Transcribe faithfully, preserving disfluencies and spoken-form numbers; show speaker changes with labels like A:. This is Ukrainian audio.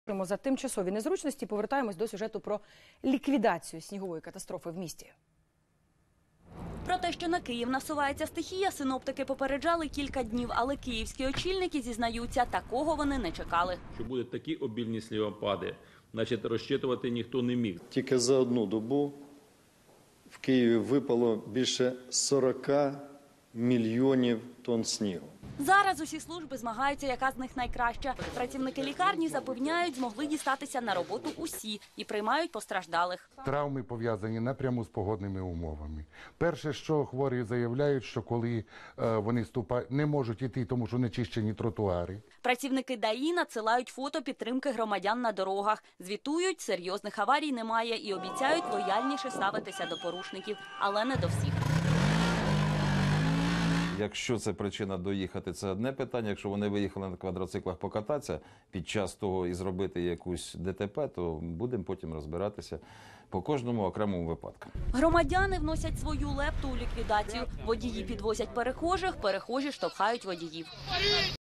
A: За тимчасові незручності повертаємось до сюжету про ліквідацію снігової катастрофи в місті.
B: Про те, що на Київ насувається стихія, синоптики попереджали кілька днів, але київські очільники зізнаються, такого вони не чекали.
C: Що будуть такі обільні снігопади, значить, розчитувати ніхто не міг.
D: Тільки за одну добу в Києві випало більше сорока мільйонів тонн снігу.
B: Зараз усі служби змагаються, яка з них найкраща. Працівники лікарні запевняють, змогли дістатися на роботу усі і приймають постраждалих.
E: Травми пов'язані напряму з погодними умовами. Перше, що хворі заявляють, що коли е, вони ступають, не можуть йти, тому що не чищені тротуари.
B: Працівники ДАІ надсилають фото підтримки громадян на дорогах. Звітують, серйозних аварій немає і обіцяють лояльніше ставитися до порушників, але не до всіх.
F: Якщо це причина доїхати, це одне питання. Якщо вони виїхали на квадроциклах покататися під час того і зробити якусь ДТП, то будемо потім розбиратися по кожному окремому випадку.
B: Громадяни вносять свою лепту у ліквідацію. Водії підвозять перехожих, перехожі штовхають водіїв.